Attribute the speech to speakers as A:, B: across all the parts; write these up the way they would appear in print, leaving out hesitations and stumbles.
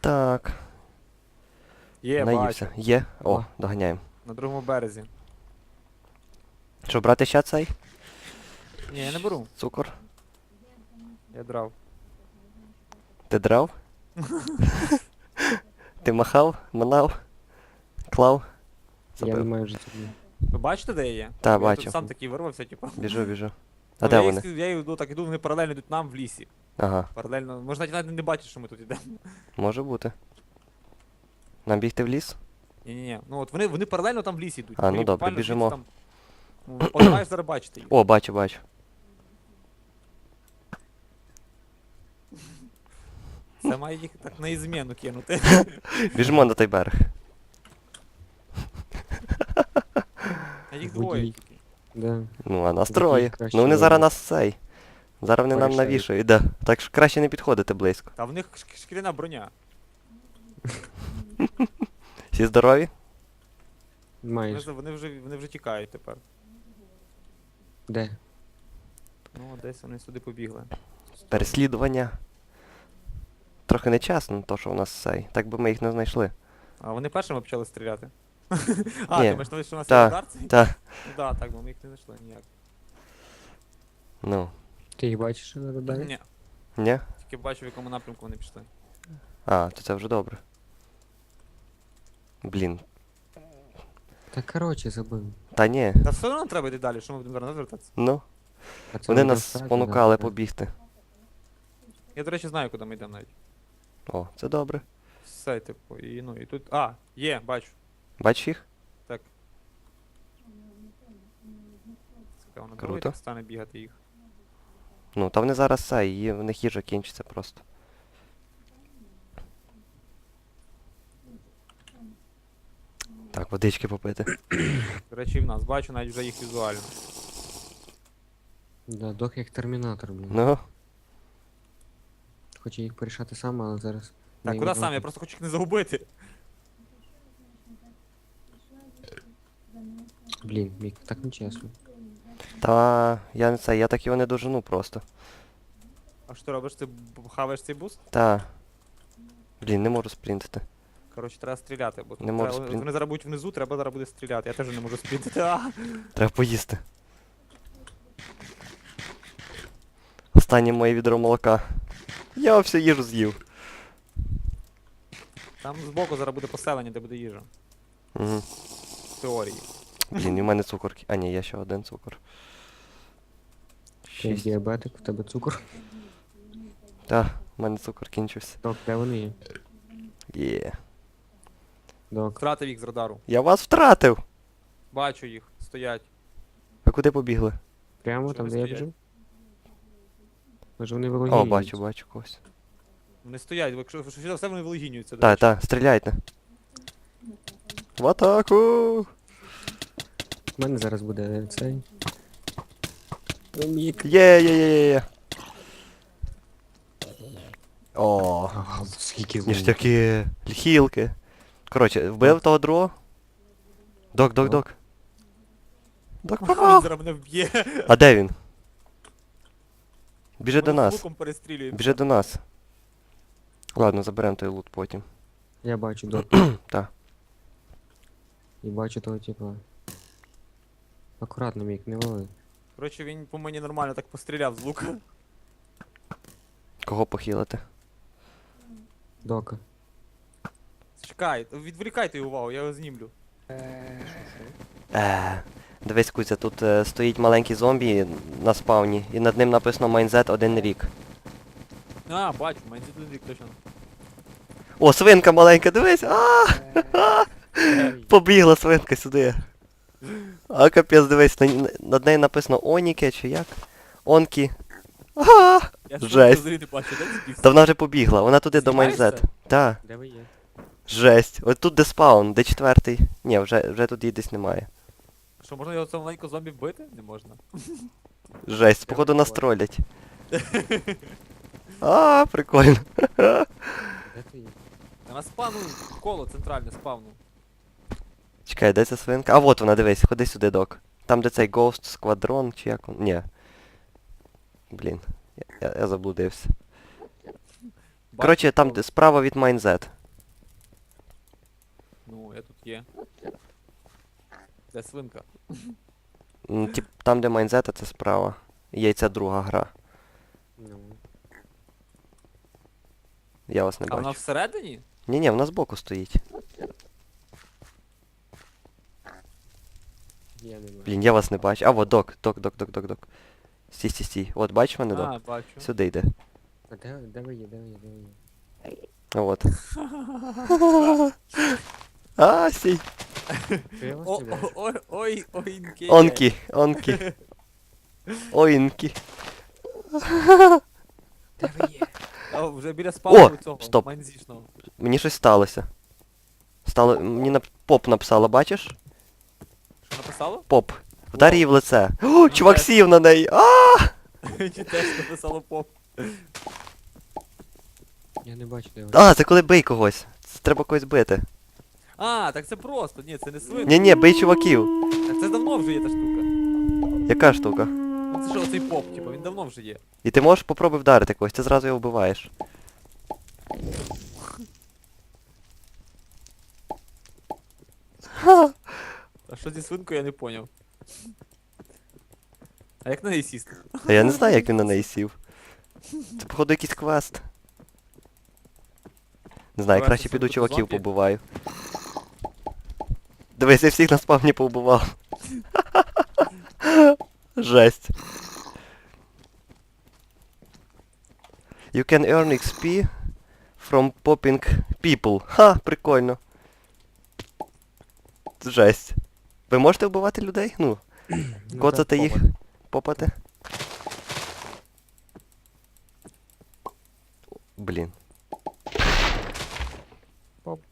A: Так.
B: Є,
A: Наївся.
B: бачу.
A: Є? О,
C: О.
A: доганяємо.
B: На другому березі.
A: Що, брати ще цей?
B: Ні, я не беру.
A: Цукор?
B: Я драв.
A: Ти драв? Ти махав? Манав? Клав?
C: Я не
A: Забив.
C: маю вже цього.
B: Ви бачите, де я є?
A: Та,
B: Я
A: бачу.
B: тут сам такий вирвався, типу.
A: Біжу. А
B: Ну,
A: де
B: я
A: вони?
B: Я йду, так іду, вони паралельно йдуть нам в лісі.
A: Ага,
B: Паралельно. Можна навіть не бачити, що ми тут йдемо.
A: може бути. Нам бігти в ліс?
B: Ні-ні-ні. Ну от вони паралельно там в лісі йдуть.
A: А, ну
B: Мені
A: добре,
B: буквально
A: біжимо.
B: звідси там. Ну, от маєш зараз бачити їх.
A: О, бачу.
B: Це має їх так на ізмену кинути.
A: Біжимо на той берег.
B: А їх
C: Водій.
B: двоє тільки.
C: Да.
A: Ну, а нас
C: Такий
A: троє.
C: краще
A: Ну вони зараз
C: вибір.
A: нас цей. Зараз вони нам
C: Порішають.
A: навішають, да. Так що краще не підходити близько.
B: Та в них шкіряна броня.
A: Всі здорові?
C: Маєш.
B: Вони вже тікають тепер.
C: Де?
B: Ну, десь вони сюди побігли.
A: Переслідування. Трохи нечесно, то що у нас цей. Так би ми їх не знайшли.
B: А вони першими почали стріляти. А,
A: Ні.
B: ти маєш на увазі, що у нас
A: Та,
B: є удар цей?
A: та.
B: Ну да, так, бо ми їх не знайшли ніяк.
A: Ну.
C: Ти їх бачиш на радарі?
B: Ні,
A: Ні?
B: тільки бачу, в якому напрямку вони пішли.
A: А, то це вже добре. Блін.
C: Та короче, забив.
A: Та ні.
B: Та все одно треба йти далі, що ми будемо зараз розвертатися.
A: Ну.
C: А це
A: Вони
C: буде
A: нас
C: встати,
A: спонукали
C: да.
A: побігти.
B: Я, до речі, знаю, куди ми йдемо навіть.
A: О, це добре.
B: Все, типу, і ну, і тут. А, є, бачу.
A: Бачиш їх?
B: Так. Цікаво, на
A: Круто.
B: другий так стане бігати їх.
A: Ну, та вони зараз цей, в них їжа кінчиться просто. Так, водички попити.
B: До речі, і в нас. Бачу навіть вже їх візуально.
C: Да, дох як термінатор, блін.
A: Ну,
C: Хочу їх порішати сам, але зараз.
B: Так,
C: не
B: куди
C: відразу.
B: сам? Я просто хочу їх не загубити.
C: Блін, Мік, так нечесно.
A: та я не це, я так його не дожену просто.
B: А що ти робиш? Ти хаваєш цей буст?
A: Та. Блін, не можу спринтити.
B: Коротше, треба стріляти, бо тут
A: Не можу
B: треба,
A: сприн-
B: вони зараз будуть внизу, треба зараз буде стріляти. Я теж не можу спринтити. А!
A: Треба поїсти. Останнє моє відро молока. Я всю їжу з'їв.
B: Там збоку зараз буде поселення, де буде їжа.
A: Угу.
B: В теорії.
A: Блін, і в мене цукор. А ні, є ще один цукор.
C: Ти
A: 6.
C: діабетик, в тебе цукор.
A: Та, в мене цукор кінчився.
C: Док, де вони є?
A: Є.
C: Док.
B: Втратив їх з радару.
A: Я вас втратив!
B: Бачу їх, стоять.
A: Ви куди побігли?
C: Прямо
B: Що
C: там,
B: ви
C: де я
B: стоять?
C: біжу? Може вони вилогіюють?
A: О, бачу когось.
B: Вони стоять, бо якщо що все вони вилогінюються. до
A: Та,
B: речі.
A: та, стріляйте. В атаку!
C: У мене зараз буде цей. Мік.
A: Є. О,
C: Ага, скільки
A: ніштяки, хілки. Коротше, вбив того другого? Док. Док
B: Він
A: попав!
B: зараз мене вб'є.
A: А де він? Біжи до
B: Мене з
A: нас.
B: луком перестрілює.
A: Біжи до нас. Ладно, заберемо той лут потім.
C: Я бачу, док.
A: Та.
C: І бачу того типа. Акуратно, Мік, не вали.
B: Коротше, він по мені нормально так постріляв з лука.
A: Кого похилити?
C: Дока.
B: Чекай, відволікайте його увагу, я його знімлю.
A: Дивись, Кузя, тут стоїть маленький зомбі на спавні, і над ним написано Майнзет 1 рік.
B: А, бачу, мені тут рік точно.
A: О, свинка маленька, дивись! Побігла свинка сюди. А, капець, дивись, над нею написано Оніке чи як? Онкі.
B: Я
A: Жесть.
B: взагалі не бачу, де ці
A: Та вона вже побігла, вона туди до
B: Знімаєшся?
A: Майнзет. Та,
C: Де ви є?
A: жесть. От тут де спаун, де четвертий. Ні, вже тут її десь немає.
B: Що, можна його цього маленького зомбі вбити? Не можна.
A: Жесть, походу нас тролять. Прикольно.
C: Де ти є?
B: Та на спавну коло центральне спавну.
A: Чекай, де ця свинка? А вот вона, дивись, ходи сюди, док. Там де цей Ghost Squadron, чи як він? Ні. Блін, я заблудився.
B: Бачу,
A: Коротше, там
B: коло.
A: де справа від Майнзет.
B: є. Де свинка?
A: Тип, там, де майнзета, це справа. Є ця друга гра.
C: Ну,
A: Я вас не
B: А вона
A: бачу.
B: всередині?
A: Ні-ні, вона збоку стоїть.
C: я не бачу.
A: Блін, я вас не бачу. А, вот док. Стій, стій, стій. От, бачиш мене, док?
B: А, бачу.
A: Сюди йде.
C: А де ви є, де ви є, де ви є?
A: От. А, стій.
C: Що я вас
B: О,
C: не бачу?
B: ой, ойнки.
A: Онкі. Оінкі.
C: Де ви є?
B: А, вже біля спавну цього,
A: стоп.
B: манзішного.
A: Мені щось сталося. Мені поп написала, бачиш?
B: Що написало?
A: Поп. Вдар її в лице. О, чувак
B: теж.
A: сів на неї. А!
B: Чи теж написало поп?
C: Я не бачу, де ви.
A: А, це коли бий когось. Це треба когось бити.
B: А, так це просто, ні, це не свинка.
A: Ні-ні, бий чуваків.
B: Так це давно вже є та штука.
A: Яка штука?
B: Ну це що, оцей поп, типу, він давно вже є.
A: І ти можеш попробуй вдарити когось, ти зразу його вбиваєш.
B: А що зі свинкою, я не поняв. А як на неї сісти?
A: А я не знаю, як він на неї сів. Це, походу, якийсь квест. Не знаю,
B: Давай,
A: краще
B: це
A: піду
B: зомбі?
A: чуваків побиваю. Дивись, я всіх на спавні повбивав. Жесть. You can earn XP from popping people. Ха, прикольно. Жесть. Ви можете вбивати людей? Ну,
C: Ну,
A: коцати
C: так,
A: їх,
C: попад.
A: попати? Блін.
C: Поп.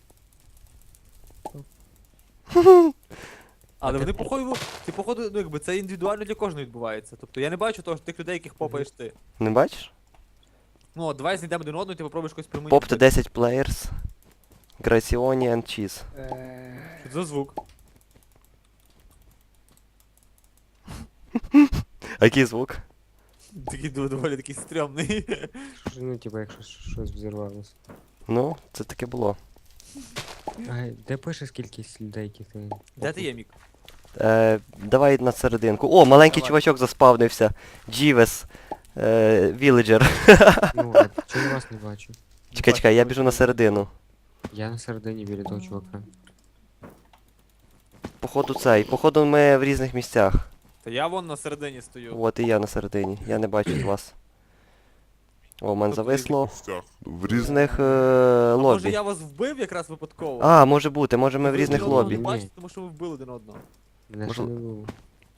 B: Але вони походу, ти походу, ну якби це індивідуально для кожного відбувається. Тобто я не бачу того, тих людей, яких попаєш ти.
A: Не бачиш?
B: Ну, от давай знайдемо один одного, і ти попробуєш когось приманити.
A: Поп 10 players. Gracioni and cheese.
B: Що це за звук?
A: А який звук?
B: Такий доволі такий стрьомний.
C: Що, ну, типа, якщо щось взірвалося.
A: Ну, це таке було.
C: А де пише скількись людей, яких ти...
B: Де ти є, Мік?
A: Давай на серединку. О, маленький
B: Давай.
A: чувачок заспавнився. Джівес. Віледжер.
C: Ну, а чого я вас не бачу?
A: Чекай, я біжу на середину.
C: Я на середині біля того чувака.
A: Походу ми в різних місцях.
B: Та я вон на середині стою.
A: От і я на середині. Я не бачу вас. О, в мене
B: Тобто
A: зависло. В різних
B: А може
A: лобі.
B: я вас вбив якраз випадково?
A: А, може бути, може ми в
B: Ви
A: різних
B: один одного
A: лобі.
B: не
C: Ні.
B: бачите, тому що ви вбили один одного.
C: Мене
A: Можливо-
C: ще не було.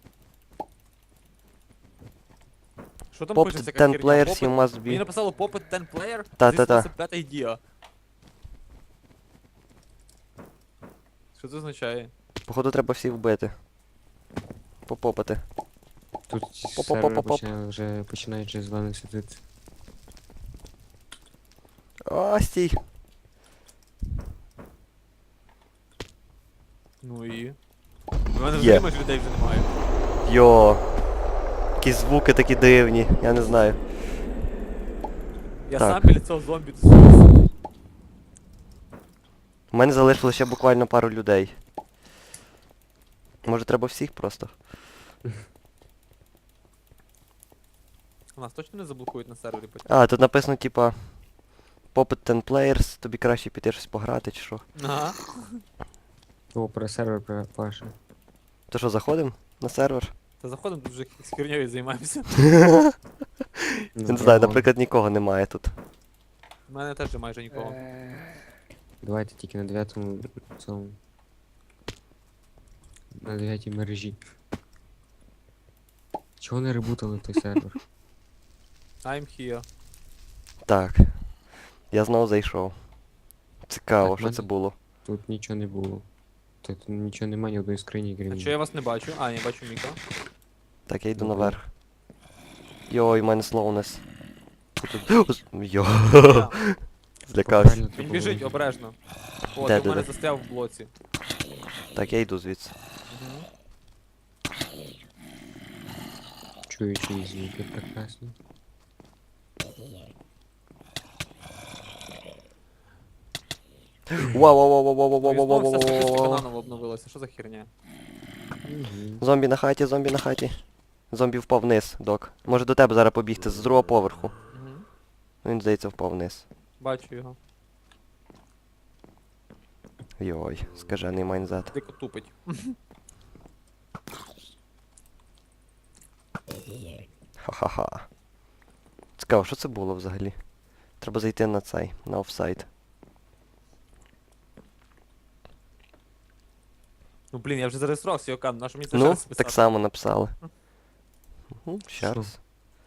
B: Що там
A: Pop
B: пишеться?
A: 10 players, you must
B: Мені
A: be.
B: написало Pop 10 player?
A: Та-та-та.
B: This was a bad idea. Що це означає?
A: Походу треба всіх вбити. Попопати.
C: Тут
A: Поп-поп-поп-поп.
C: сервер вже починає через зелений світити.
A: А, стій.
B: Ну і... У мене
A: Є.
B: вже майже людей вже немає.
A: Йо. Якісь звуки такі дивні, я не знаю.
B: Я
A: Так.
B: сам біля цього зомбі тусуюсь.
A: У мене залишилося ще буквально пару людей. Може треба всіх просто?
B: Нас точно не заблокують на сервері потім?
A: А, тут написано типа Popit 10 players, тобі краще піти щось пограти чи що.
B: Ага.
C: О, про сервер паше.
A: То що, заходимо на сервер?
B: Та заходимо, тут вже з херньою займаємося.
A: Я не знаю, наприклад, нікого немає тут.
B: У мене теж майже нікого.
C: Давайте тільки на 9-му цьому. На 9-й мережі. Чого не ребутали той сервер?
B: I'm here.
A: Так. Я знову зайшов. Цікаво,
C: Так,
A: що
C: мене-
A: це було.
C: Тут нічого не було. Тут нічого немає, ні одної скрині, крім.
B: А чого я вас не бачу? А, я бачу Міка.
A: Так, я йду
C: Добре.
A: наверх. Йой, у мене слоунес. Йо,
B: Я.
A: злякався.
C: Правильно
B: Він
C: тут
B: біжить
C: було.
B: обережно. О,
A: Де,
B: ти в мене
A: де?
B: застряв в блоці.
A: Так, я йду звідси.
B: Мгм.
C: Чую чиї звуки прекрасні.
B: Знову вся статистика
A: Вау-вау-вау-вау-вау-вау-вау-вау-вау.
B: наново обновилася, що за херня?
C: Мгм.
A: Зомбі на хаті, зомбі на хаті. Зомбі впав вниз, док. Може до тебе зараз побігти з другого поверху.
B: Угу.
A: Він, здається, впав вниз.
B: Бачу його.
A: Йой, скажений майнзет.
B: Дико тупить.
A: Ха-ха-ха. Цікаво, що це було взагалі? Треба зайти на цей, на офсайт.
B: Ну блін, я вже зареєструвався, Йокан, на що мені це
A: Ну,
B: ще раз писати?
A: так само написали. Ще
C: Що?
A: раз.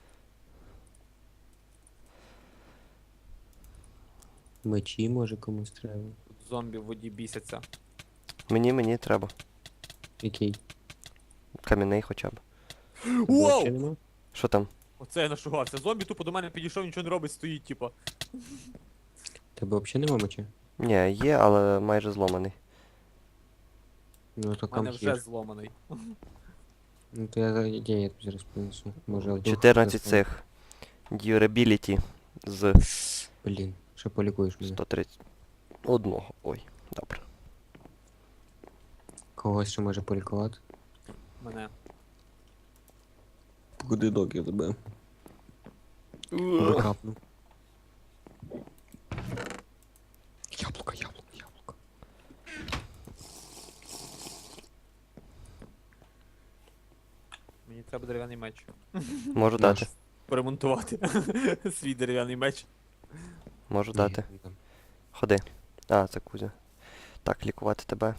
C: Мечі може комусь треба.
B: Тут зомбі в воді бісяться.
A: Мені треба.
C: Який?
A: Кам'яний хоча б.
C: Тебе
B: Воу!
C: взагалі нема?
A: Що там?
B: Оце я нашугався. Зомбі тупо до мене підійшов, нічого не робить, стоїть, типа.
C: Тебе взагалі нема меча?
A: Ні, є, але майже зломаний.
C: Ну то
B: У мене вже
C: камхір.
B: зломаний.
C: Ну то я тобі зараз принесу. Може вдруг
A: 14
C: достану.
A: цих. Durability з
C: Блін, що полікуєш мене?
A: 131. Ой, добре.
C: Когось ще може полікувати?
B: Мене.
C: Куди док я тебе? Викапну. Яблуко, яблуко, яблуко.
B: Мені треба дерев'яний меч.
A: Можу
C: Наш.
A: дати.
B: Поремонтувати свій дерев'яний меч.
A: Можу
C: Ні,
A: дати.
C: не дам.
A: Ходи. А, це Кузя. Так, лікувати тебе.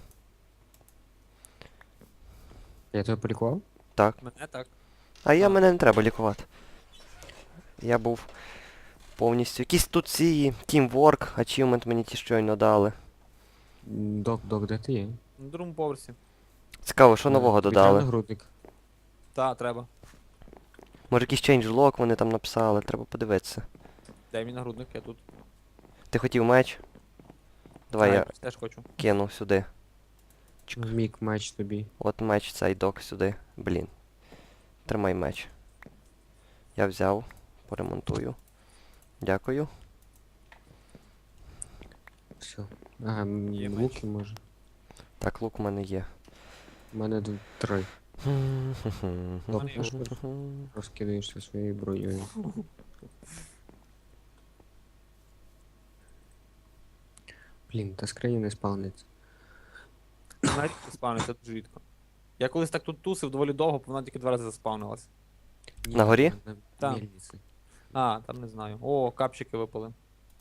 C: Я тебе полікував?
A: Так.
B: Мене так.
A: А
B: А.
A: мене не треба лікувати. Я був повністю. Якісь тут ці Teamwork, achievement мені ті щойно дали.
C: Док, де ти є?
B: На другому поверсі.
A: Цікаво, що нового
C: Тобі треба
A: додали.
C: нагрудник.
B: Та, треба.
A: Може якийсь changelog вони там написали, треба подивитися.
B: Дай мені нагрудник, я тут.
A: Ти хотів меч? Давай я
B: Снайпер теж хочу.
A: кину сюди.
C: Мік меч тобі.
A: От меч цей док сюди. Блін. Тримай меч. Я взяв, поремонтую. Дякую.
C: Все. Ага,
B: Є меч.
C: луки може.
A: Так, лук у мене є.
C: У мене 3.
B: мене є
C: Розкидаєшся своєю бронею. Блін, та скрині не спавниться.
B: Навіть спавниться дуже рідко. Я колись так тут тусив доволі довго, бо вона тільки 2 рази заспавнилась.
C: Ні,
A: На горі?
C: На
B: Там.
C: мельниці.
B: А, там не знаю. О, капчики випали.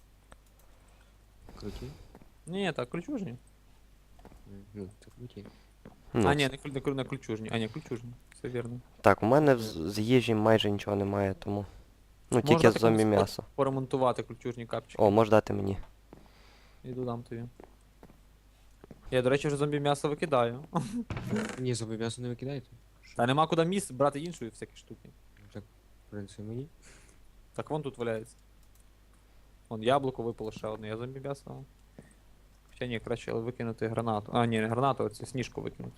C: Круті?
B: Ні, так, ключужні.
C: Ну, це круті.
A: Ну,
B: А, ні, не ключужні. А, ні, ключужні. Все вірно.
A: Так, у мене з їжі майже нічого немає, тому. Ну, тільки
B: Можна
A: зомбі
B: такому
A: м'ясо.
B: Поремонтувати ключужні капчики.
A: О, можеш дати мені.
B: Іду дам тобі. Я, до речі, вже зомбі м'ясо викидаю.
C: Ні, зомбі м'ясо не викидайте.
B: Та нема куди місць брати іншої всякі штуки.
C: Так, принеси мені.
B: Так вон тут валяється. Вон яблуко випало ще одне, я зомбі м'ясо. Хоча ні, краще викинути гранату. А, ні, не гранату, а цю сніжку викинути.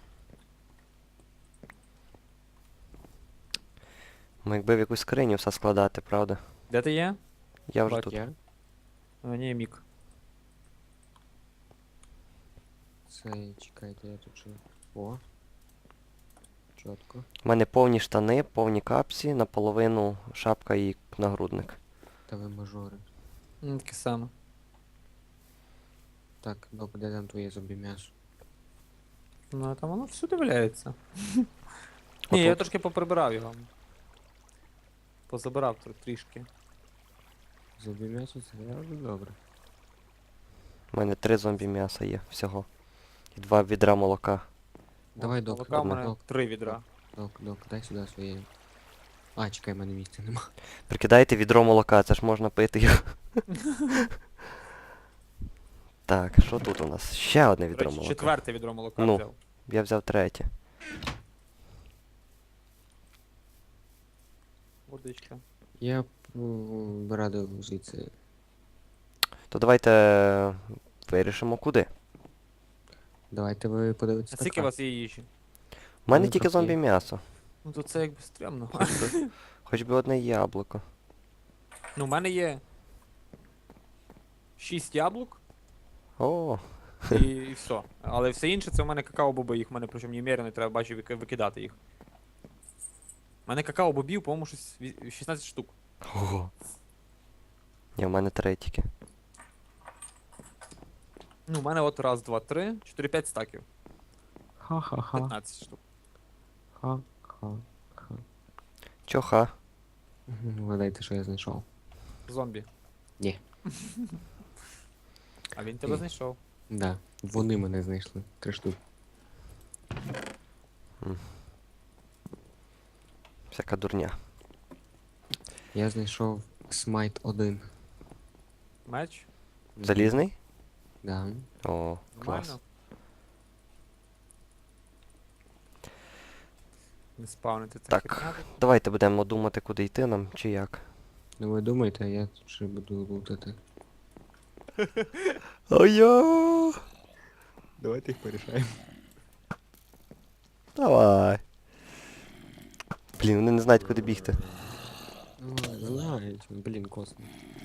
A: Ми якби в якусь скриню все складати, правда?
B: Де ти є?
A: Я вже
B: Бать,
A: тут.
C: Я?
B: А, ні, мік.
C: Це, чекайте, я тут ще. О. Чітко.
A: У мене повні штани, повні капсі, наполовину шапка і нагрудник.
C: Та ви мажори.
B: Таке саме.
C: Так, док, де там твоє зомбі м'ясо?
B: Ну, а там воно всюди валяється. Ні, я
A: Отут.
B: трошки поприбирав його. Позабирав трішки.
C: Зомбі м'ясо це завжди добре.
A: У мене 3 зомбі м'яса є всього. І 2 відра молока.
C: Давай, док,
B: Молока в
A: одне.
B: мене
C: док,
B: 3 відра.
C: док, дай сюди своє. А, чекай, в мене місця нема.
A: Прикидайте відро молока, це ж можна пити його. Так, що тут у нас? Ще одне
B: До
A: відро
B: речі,
A: молока.
B: 4-те відро молока
A: Ну.
B: взяв.
A: Я взяв 3.
B: Водичка.
C: Я б радив звідси.
A: То давайте вирішимо куди.
C: Давайте ви подивитесь.
B: А скільки у вас є їжі?
A: У мене
C: Ну,
A: тільки
C: трохи є.
A: зомбі м'ясо.
B: Ну то це якби стрімно.
A: Хоч би одне яблуко.
B: Ну, в мене є 6 яблук,
A: О,
B: І все. Але все інше це в мене какао-боби, їх в мене причому немерено, треба бачу викидати їх. У мене какао-бобів, по-моєму, щось 16 штук.
A: ого. Ні, в мене 3 тільки.
B: Ну, у мене от раз, два, три, 4-5 стаків.
C: Ха-ха-ха.
B: 15 штук.
C: Ха-ха-ха.
A: Чоха.
C: Вгадайте, що я знайшов.
B: Зомбі.
C: Ні.
B: А він тебе
C: Ні.
B: знайшов.
C: Да. Вони мене знайшли. 3 штуки.
A: Всяка дурня.
C: Я знайшов Смайт 1.
B: Меч.
A: Залізний?
C: Да.
A: О, клас.
B: Нормально. Не спавнити це.
A: Так. Давайте будемо думати, куди йти нам, чи як.
C: Ну ви думаєте, а я тут ще буду лутати.
A: Ой-йо!
C: Давайте їх порішаємо.
A: Давай. Блін, вони не знають, куди бігти.
C: Ну, знають, блін, косно.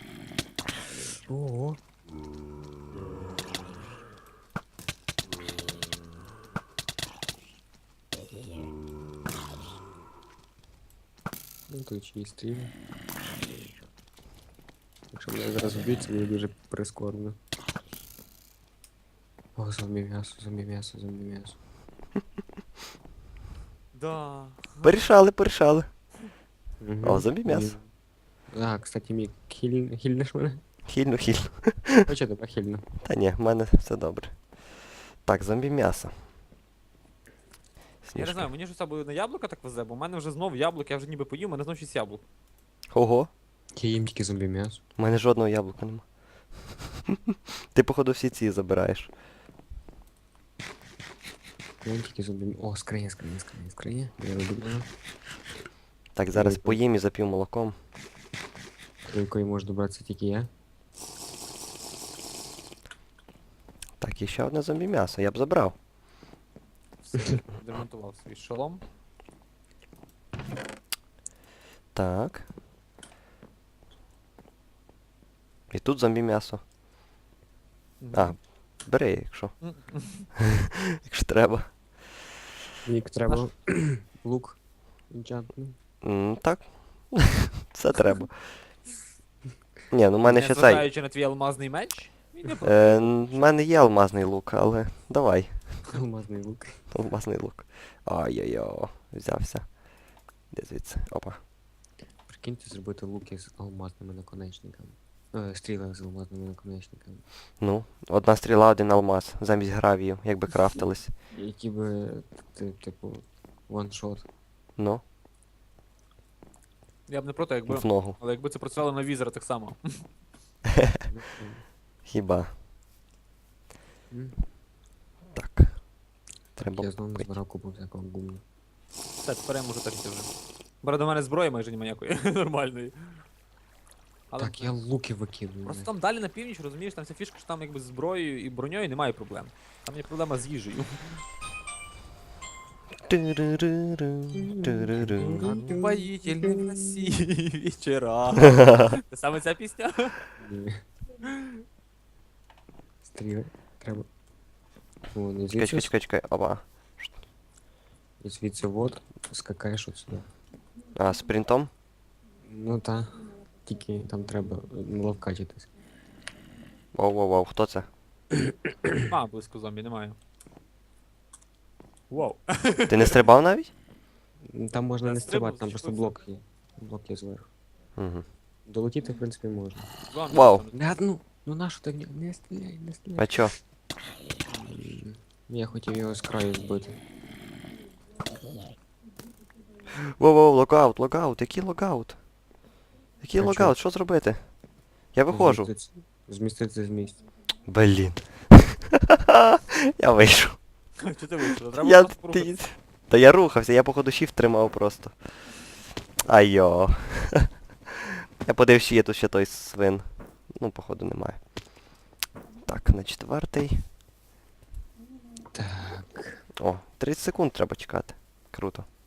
C: Ого. Ну тут ще й стрім. Якщо мене зараз вб'ють, це буде дуже прискорбно. О, зомбі м'ясо, зомбі м'ясо, зомбі м'ясо.
B: Да.
A: Порішали.
C: Мгм.
A: О, зомбі м'ясо.
C: А, кстати, Мік, хільнеш мене?
A: Хільну.
C: Хоча тебе хільно.
A: Та ні, в мене все добре. Так, зомбі м'ясо.
B: Я не
A: Сніжка.
B: знаю, мені ж це буде на яблука так везе, бо в мене вже знов яблук, я вже ніби поїв, у мене знов 6 яблук.
A: Ого,
C: Я їм тільки зомбі м'ясо.
A: в мене жодного яблука нема. Ти, походу, всі ці забираєш.
C: Я їм тільки зомбі м'ясо. О, скриня. Я роблю.
A: Так, зараз
C: Дякую.
A: поїм і зап'ю молоком.
C: До якої можу добратися тільки я.
A: Так, і ще одне зомбі м'ясо, я б забрав.
B: Все, демонтував свій шолом.
A: Так. І тут зомбі м'ясо. А, бери, якщо. Якщо треба.
C: Мік, треба лук. Інчантний.
A: Так. Це треба. Ні, ну в мене ще цей.
B: Незважаючи на твій алмазний меч, він не проти.
A: В мене є алмазний лук, але давай.
C: Алмазний лук.
A: Алмазний лук. Ай-яй-йо, взявся. Де звідси? Опа.
C: Прикиньте зробити луки з алмазними наконечниками. Стріли з алмазними наконечниками.
A: Ну, одна стріла, один алмаз, замість гравію, якби крафтились.
C: Які би, типу, ваншот.
A: Ну,
B: Я б не проти, якби.
A: в ногу.
B: Але якби це працювало на візера так само.
A: Хіба.
C: М.
A: Так.
C: Я
A: Треба
C: знову
A: пити.
C: збирав купу всякого гумну.
B: Все, тепер я можу так йти вже. Бо до мене зброї майже немає ніякої нормальної. Але
C: Так, я луки викидую.
B: просто там далі на північ, розумієш, там вся фішка, що там якби з зброєю і броньою немає проблем. Там є проблема з їжею. Упоїтельні красиві вечора. Це саме ця пісня?
C: Ні. Стріли. Треба. О, не
A: Чекай,
C: звідси,
A: чекай. Опа.
C: і звідси вот, скакаєш от сюди.
A: А, спринтом?
C: Ну та. Тільки там треба ловкачитись.
A: Воу, хто це?
B: А, близько зомбі, немає. Вау.
A: Ти не стрибав навіть?
C: Там можна
B: Я
C: не
B: стрибнув,
C: стрибати, там просто
B: зачепився.
C: блок є. Блок є зверху.
A: Угу.
C: Долетіти, в принципі, можна.
B: Зомбі,
A: Вау.
B: там.
C: Бля, ну нащо ти в нього? Не стріляй, не стріляй.
A: А чо?
C: Я хотів його з краю збити.
A: Воу, логаут, який логаут? Який
C: А
A: логаут, що зробити? Я виходжу.
C: Зміститися з місця.
A: Блін. Я вийшов.
B: Чи ти вийшов? Треба
A: Я...
B: просто порухатися.
A: ти- Та я рухався, я походу shift тримав просто. Айо. Я подивився, чи є тут ще той свин. Ну, походу, немає. Так, на 4-й.
C: Так.
A: О, 30 секунд треба чекати. Круто.